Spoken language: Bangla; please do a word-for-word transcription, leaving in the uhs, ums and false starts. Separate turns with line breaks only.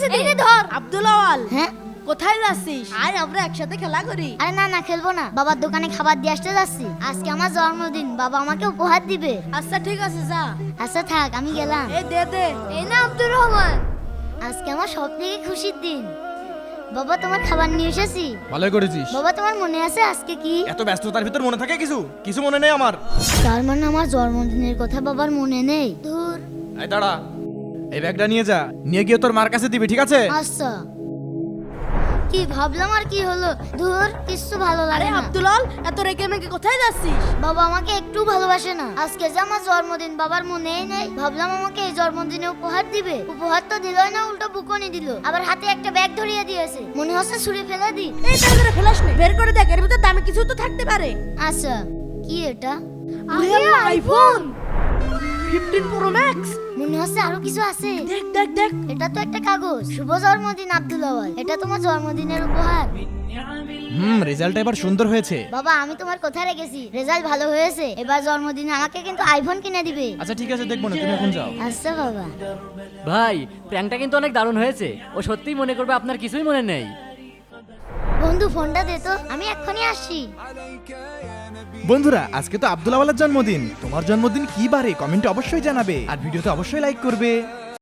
এই নে ধর।
আব্দুল আওয়াল,
হ্যাঁ
কোথায় যাচ্ছিস? আয় আমরা একসাথে খেলা করি।
আরে না না খেলবো না, বাবার দোকানে খাবার দিয়ে আসতে যাচ্ছি। আজকে আমার জন্মদিন, বাবা আমাকে উপহার দিবে।
আচ্ছা ঠিক আছে যা।
আচ্ছা থাক, আমি গেলাম।
এই দে দে।
এই না আব্দুর রহমান।
আজকে আমার সব থেকে খুশির দিন। বাবা তোমার খাবার নিয়ে এসেছি।
ভালোই করেছিস।
বাবা তোমার মনে আছে আজকে কি?
এত ব্যস্ততার ভিতর মনে থাকে কিছু কিছু মনে নেই আমার।
তার মানে আমার জন্মদিনের কথা বাবার মনে নেই? ধুর।
এই দাঁড়া, এই ব্যাগটা নিয়ে যা, নিয়ে গিয়ে তোর মার কাছে দিবি, ঠিক আছে?
আচ্ছা। কি ভাবলাম আর কি হলো, ধুর কিচ্ছু ভালো
আরে
লাগে না।
আব্দুল আওয়াল, এত রেগে মেগে কোথায় যাচ্ছিস?
বাবা আমাকে একটু ভালোবাসে না। আজকে যে আমার জন্মদিন, বাবার মনেই নেই। ভাবলাম আমাকে এই জন্মদিনে উপহার দিবে, উপহার তো দিলই না, উল্টো বুকনি দিল। আবার হাতে একটা ব্যাগ ধরিয়ে দিয়েছে, মনে হচ্ছে ছুঁড়ে ফেলে দি।
এই তাড়াতাড়ি ফেলাস নে, বের করে দেখ, এর ভিতর দামি কিছু তো থাকতে পারে।
আচ্ছা কি এটা?
আরে Allah, iPhone fifteen pro max.
মনে হচ্ছে আরো কিছু আছে।
দেখ দেখ দেখ।
এটা তো একটা কাগজ। শুভ জন্মদিন আব্দুল আওয়াল, এটা তোমার জন্মদিনের উপহার।
হুম, রেজাল্টটা এবার সুন্দর হয়েছে।
বাবা আমি তোমার কথা রেখেছি, রেজাল্ট ভালো হয়েছে। এবার জন্মদিনে আমাকে কিন্তু আইফোন কিনে দিবে।
আচ্ছা ঠিক আছে, দেখবো না, তুমি এখন যাও।
আচ্ছা বাবা।
ভাই প্র্যাঙ্কটা কিন্তু অনেক দারুণ হয়েছে। ও সত্যিই মনে করবে আপনার কিছুই মনে নেই।
বন্ধু ফোনটা দে তো, আমি এক্ষুনি আসছি।
বন্ধুরা, আজকে তো আব্দুল আওয়ালের জন্মদিন। তোমার জন্মদিন কি বারে কমেন্টে অবশ্যই জানাবে, আর ভিডিওতে অবশ্যই লাইক করবে।